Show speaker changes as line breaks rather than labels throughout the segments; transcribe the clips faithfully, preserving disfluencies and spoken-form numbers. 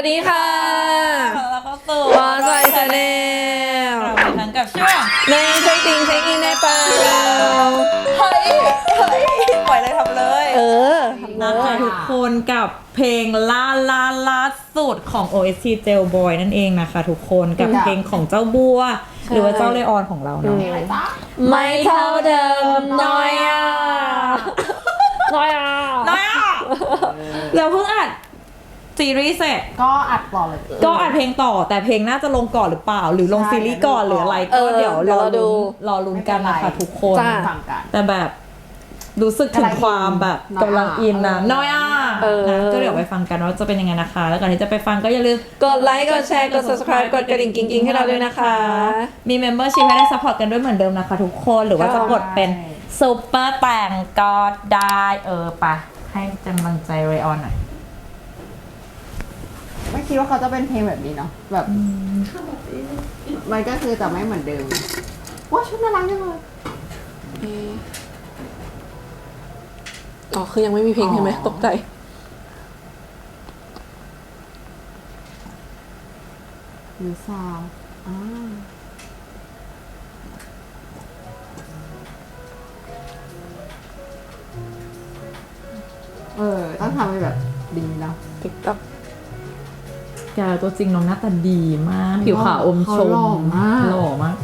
ดีค่ะ
แล้วก็สู่
วอสไวชาแนล
เราไปทั้งกับช่วง
ในเช็คติงเช็คอินในเปล่า
เฮ้ยเฮ้ยปล่อยเลยทำเลย
เออทำเล
นะคะ
ย
ทุกคนกับเพลงล่าล่าล่าสุดของ โอ เอส ที Jailboy นั่นเองนะคะทุกคนกับเพลงของเจ้าบัว หรือว่าเจ้าเลออนของเราเนาะ
ไม่เท่าเดิมน้อยอ่ะน้อยอ่ะ
น้อยอ่ะเราเพิ่งอัดซีรีส์เสร็จ
ก็อัดต่อเลย
ก็อัดเพลงต่อแต่เพลงน่าจะลงก่อนหรือเปล่า หรือลง
ใช่
ซีรีส์ก่อนหรืออะไร
เอ
ก็
อ
เดี๋ยว
เดี๋
ร
ยว
อ
เราดู
ลุ้นรอลุ้นกันนะคะทุกคน
จ้า
ฟังกัน
แต่แบบรู้สึกถึงความแบบกำลังอินนะน้อยอ่ะ
เออ
นะก็เดี๋ยวไปฟังกันว่าจะเป็นยังไงนะคะ แล้วก่อนที่จะไปฟังก็อย่าลืม
กดไลค์กดแชร์กด subscribe กดกระดิ่งกิ๊งๆให้เราด้วยนะคะ
มี membership ให้ได้ support กันด้วยเหมือนเดิมนะคะทุกคนหรือว่าจะกดเป็นซุปเปอร์แต่งก็ได้เออไปให้กำลังใจเรออนหน่อย
ไม่คิดว่าเขาจะเป็นเพลงแบบนี้เนาะแบบมันก็คือแต่ไม่เหมือนเดิมว้าชุดน่ารักจังเลย
อ๋อคือยังไม่มีเพลงใช่ไหมตกใจ
หรือซาวอ่าเออต้องทำให้แบบดีเนาะ
ติ๊กต็อก
แกตัวจริงน้องหน้าตาดีมาก ผิวขาวอมชม
เขาหล่อมาก
หล่อมาก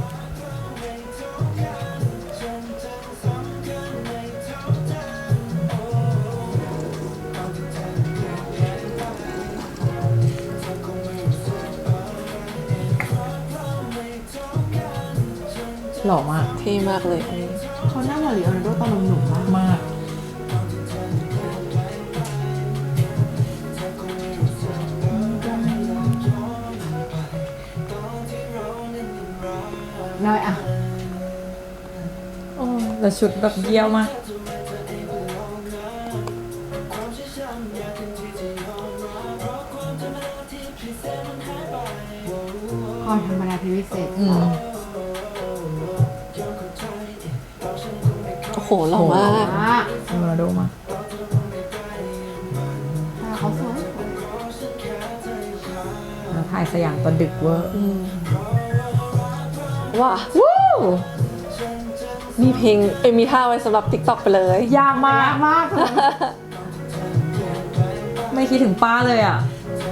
หล่อมาก
เท่มากเลยอันนี้
เขาหน้าเหมือนลีโอนาร์โดตอนหนุ่มๆมาก
มาก
น้อยอ่ะ
โอ้แล้วชุดแบบเยี่ยวมาก
คอยธรรมดาที่วิเศษ
อืม
โอ้โหหล่อมาก
มาก
โรนัลโดมาก
แต่เขาสวย
แล้วถ่ายสยามตอนดึกเวอร์
ว้าวู้มีเพลงเอยมีท่าไว้สำหรับ TikTok ไปเลย
ยากมาก
ยากมากเลย
ไม่คิดถึงป้าเลยอ่ะ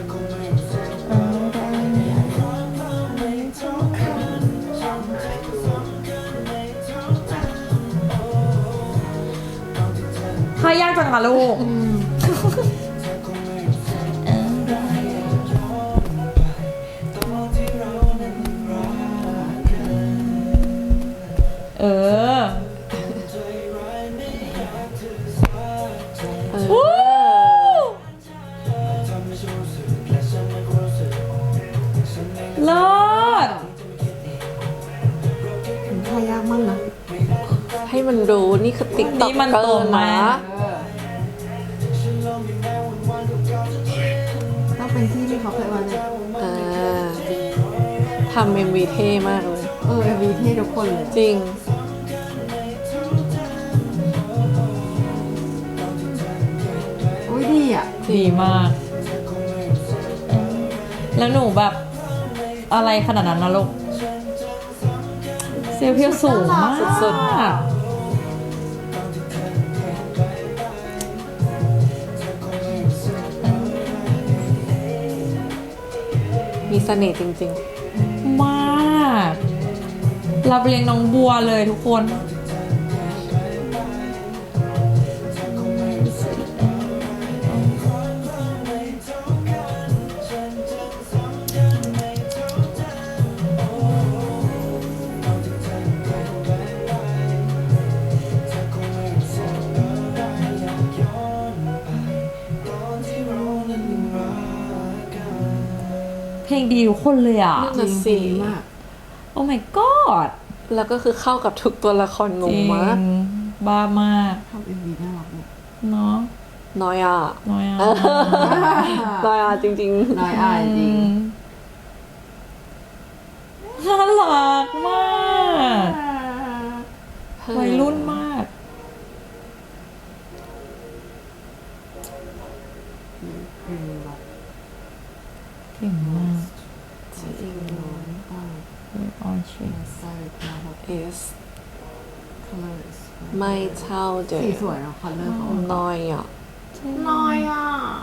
ถ้ายากจังอะลูก เออ
เออ
วู้เลิศ
ทายากมากนะ
ให้มันรู้นี่คือ TikTok
นี่มันโต
เกิน
มา
นะ
ก
เออต้องเป็นที่ที่เขาเคยมาเลย
อ่าทำเอ็มวีเท่มากเลย
เออเอวีเท่ทุกคนเลย
จริง
โอ้ยดีอ่ะ
ดีมาก แล้วหนูแบบอะไรขนาดนั้นนะลูก เซลล์เพียวสูงมาก
สุด มีเสน่ห์จริง
มากรับเลี้ยงน้องบัวเลยทุกคน เพลงดีทุกคนเลยอ่ะ
นั่นน่ะสิ
ดีมาก
โอ้ my god
แล้วก็คือเข้ากับทุกตัวละครง
จ
ง
ริง
มาก
บ้ามาก
ทำเอ็มวีน่ารักเลย
เนาะ
น้อยอ่ะ
น้อยอ่ะ
น้อยอ่ะจริง
น้อยอายจริง
น่ารักมาก
ๆ
วัยรุ่นมาก
อืมแบบ
is ไม่เท่าเดิ
สี
ม
สวยเนาะคัลเลอร์เขา
น้อยอ่ะ
น้อยอ่ะ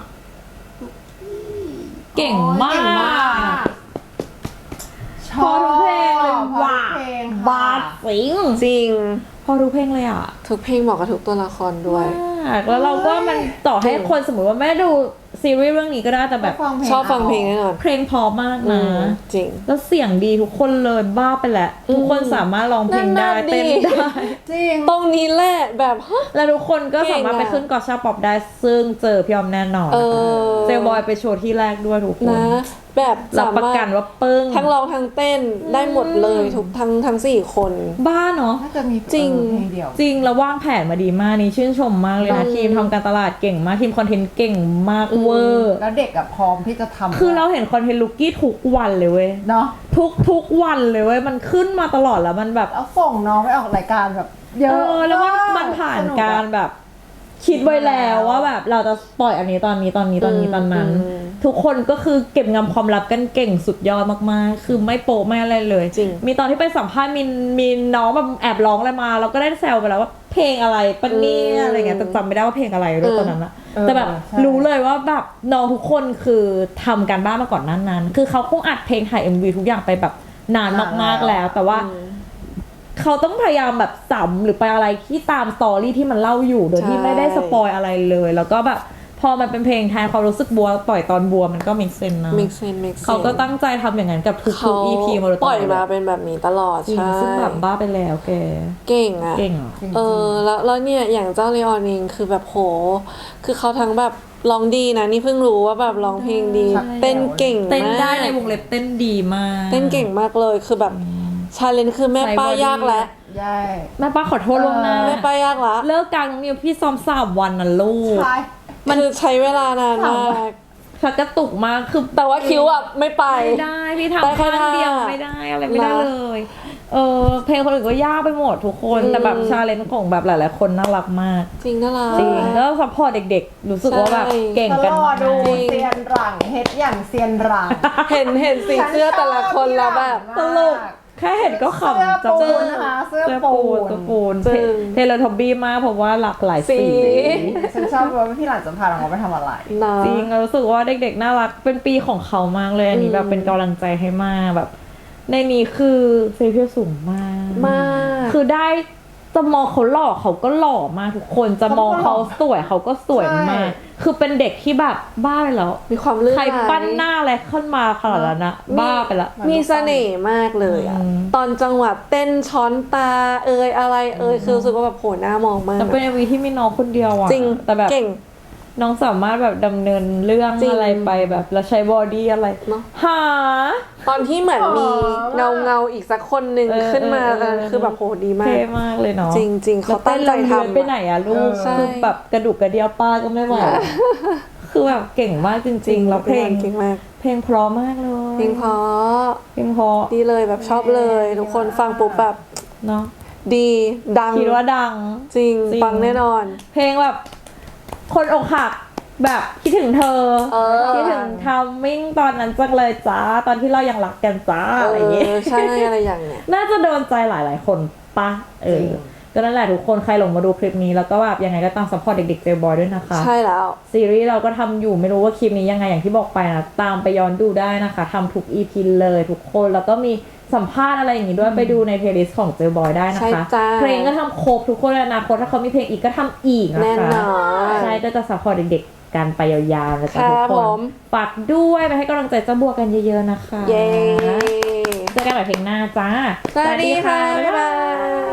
เก่งมาก
เก่งมาก
พอทุกเพลงเลย
ชอบ
ว่า
พอทุกเพลง
บา
ค่ะ
ดสิง
จริง
พอทุกเพลงเลยอ่ะ
ทุกเพลงเหมาะกับทุกตัวละครด้วย
มากแล้วเราก็มันต่อให้คนสมมติว่าไม่ได้ดูซีรีส์เรื่องนี้ก็ได้แต่แบบ
ชอบฟังเพลงแน่นอน
เพลงเพอมาก
อื
นะ
มจริง
แล้วเสียงดีทุกคนเลยบ้าไปแหละ ทุกคนสามารถร้องเพลงได้
นั่นน่ะ
เต้น
ดิ
ได้
จริง
ตรงนี้แหละแบบฮะ
แล้วทุกคนก็สามารถไป
เก่งอะ
ขึ้นกอชาป๊อปได้ซึ่งเจอพี่ออมแน่นอน
เออ
เซลบอยไปโชว์ที่แรกด้วยทุกคน
นะ แบบ
รับ
สา
ประ
มาร
กัน
ถ
ว่าปึ้ง
ทั้งร้องทั้งเต้นได้หมดเลยทุกทั้งทั้งสี่คน
บ้าเนาะ
น่าจะมี
จริง
เออเพลงเดียว
จริงแล้ววางแผนมาดีมากนี่ชื่นชมมากเลยนะ
อืม
ทีมทำการตลาดเก่งมากทีมคอนเทนต์เก่งมากเวอร์
แล้วเด็กอะพร้อมที่จะทำ
คือเราเห็นคอนเทนต์ลุกกี้ทุกวันเลยเว้ย
เนาะ
ทุกทุกวันเลยเว้ยมันขึ้นมาตลอดแล้วมันแบบ
แล้วส่งน้องไปออกรายการแบบเย
เอ
อะ
อแล้วมัน
ก
มันผ่าน
สก
การ
อะ
แบบ คิดไว้แล้วว่าแบบเราจะปล่อยอันนี้ตอนนี้ตอนนี้ตอนนี้ตอนนั้น
อืม
ทุกคนก็คือเก็บงำความลับกันเก่งสุดยอดมากๆ คือไม่โป๊ะไม่อะไรเลย
จริง
มีตอนที่ไปสัมภาษณ์มีมีน้องแบบแอบร้องอะไรมาเราก็ได้แซวไปแล้วว่าเพลงอะไรปะเนี่ยอะไรเงี้ยแต่จำไม่ได้ว่าเพลงอะไรด้วยตอนนั้นอะ
เออ
แต่แบบ
ใช่
รู้เลยว่าแบบน้องทุกคนคือทำการบ้านมาก่อนนั้นนั้น คือเขาคงอัดเพลงถ่าย เอ็ม วี ทุกอย่างไปแบบนานมากๆแล้ว แต่ว่า
อืม
เขาต้องพยายามแบบสัมหรือไปอะไรที่ตามสตอรี่ที่มันเล่าอยู่โดยที่
ใช่
ไม่ได้สปอยอะไรเลย แล้วก็แบบพอมันเป็นเพลงแทนความรู้สึกบัวปล่อยตอนบัวมันก็มิกเซนนะ
make sense make sense
เขาก็ตั้งใจทำอย่างนั้นกับทุก
เขา
ๆ อี พี มาโดยตลอด
ปล่อยมาเป็นแบบนี้ตลอด
จริง
ใช่
ซึ่งแบบบ้าไปแล้วแก
เก่งอ่ะ
เก่งอ่ะ
จริง
เออแล้วแล้วเนี่ยอย่างเจ้าเลออนเองคือแบบโห คือเขาทั้งแบบร้องดีนะนี่เพิ่งรู้ว่าแบบร้องเพลงดี
ใช่
เต้นเก่ง
เต้นได้
มาก
ในวงเล็บเต้นดีมาก
เต้นเก่งมากเลยคือแบบชาเลนจ์คือแม่ป้ายากแล้ว
ใช่
แม่ป้าขอโทษล่วงหน้า
เออ
แม่ป้ายากละ
เลิกกลางน้องนิวพี่ซ้อมสามวันนะลูก
ใช่
มันคือใช้เวลานานมาก
ชักกระตุกมากคือ
แต่ว่าคิวอ่ะไม่ไป
ไม่ได้พี่
ได้
ทำ
แค่
ข้างเดียว
ท่า
ไม่ได้อะไรไม่ได้
นะ
เลย เออเพลงคนอื่นก็ยากไปหมดทุกคน
อืม
แต่แบบชาเลนจ์ของแบบหลายๆคนน่ารักมาก
จริงน่ารัก
จริงแล้วซัพพอร์ตเด็กๆ รู้สึกว่าแบบ
ใช่
เก่ง
ต
กัน
ลอ
มา
ดดู
ก
เซียนหลังเฮ็ดอย่างเซียนหลัง
เห็นเห็นสีเสื้อแต่ละคนแล้วแบบ
ตลกแค่เห็นก็ขำ
เสื้อ
จัง
ปูนนะคะเสื้อปูน
เสื้อปูน
จริง
เทเลทอมบี้มากเพราะว่าหลากหลายสี
สี
ฉันชอบว่าพี่หลานจะพาน้องไปทำอะไร
นะ
จริงรู้สึกว่าเด็กๆน่ารักเป็นปีของเขามากเลยอันนี้
อืม
แบบเป็นกำลังใจให้มากแบบ ในนี้คือเซฟเพียสูงมาก
มาก
คือได้จะมองเขาหล่อเขาก็หล่อมากทุกคนจะมองเขาสวยเขาก็สวยมาก คือเป็นเด็กที่แบบบ้าไปแล้ว
มีความลื่น
ใคร
ไหล
ปั้นหน้าอะไรขึ้นมาขนาดนั้นนะบ้าไปละ
มีเสน่ห์มากเลยอ่ะ
อืม
ตอนจังหวะเต้นช้อนตาเอยอะไรเอยคือรู้สึกว่าแบบโหหน้ามองมาก
แต่เป็นเอ็มวีที่มีน้องคนเดียวอะ
จริง
แต่แบบ
เก่ง
น้องสามารถแบบดำเนินเรื่อง
จริง
อะไรไปแบบแล้วใช้บอดี้อะไร
เนอะ
หา
ตอนที่เหมือนมี
อ๋อ
เงาเงาๆอีกสักคนหนึ่ง
เออ
ขึ้นมา
เออเออ
เออคือแบบโหดีมาก
เท่มากเลยเนาะ
จริงๆเขาตั้งใจ
แล้วเน
ทำ
เลื้อยไปไหนอะลูก
ใช่
คือแบบกระดูกกระเดียวป้าก็ไม่ไหวคือแบบเก่งมากจริงๆแล้วเพลง
เก่งมาก
เพลงเพราะมากเลย
เพลงเพราะ
เพลงเพราะ
ดีเลยแบบชอบเลย ทุกคนฟังปุ๊บแบบ
เนาะ
ดีดัง
คิดว่าดัง
จริง
จริง
ฟังแน่นอน
เพลงแบบ คนอกหักแบบคิดถึงเธอ
เออ
คิดถึงทามมิ่งตอนนั้นจังเลยจ้าตอนที่เรายังรักกันจ้าอะไรอย่างเงี้ย
เออใช่อะไรอย่างเนี้ย
น่าจะโดนใจหลายๆคนปะเออ
จริง
ก็นั่นแหละทุกคนใครหลงมาดูคลิปนี้แล้วก็แบบยังไงก็ตามซัพพอร์ตเด็กๆเจลบอยด้วยนะคะ
ใช่แล้ว
ซีรีส์เราก็ทำอยู่ไม่รู้ว่าคลิปนี้ยังไงอย่างที่บอกไปนะตามไปย้อนดูได้นะคะทำทุก อี พี เลยทุกคนแล้วก็มีสัมภาษณ์อะไรอย่างงี้ด้วยไปดูในเพลย์ลิสต์ของเจลบอยได้นะ
ใช่
คะ
จ้า
เพลงก็ทำครบทุกคนในอนาคตถ้าเขามีเพลงอีกก็ทำอีกนะ
แน่
คะ
นอน
ใช่ก็จะซัพพอร์ตเด็กๆกันไปยาวๆนะจ๊ะ
ครับ
ทุกค
ผ
น
ม
ฝากด้วยไปให้กำลังใจเจ้าบัวกันเยอะๆนะคะ
เย้
เจอกันใหม่เพลงหน้าจ้า
สวัสดีค่ะ บ๊ายบาย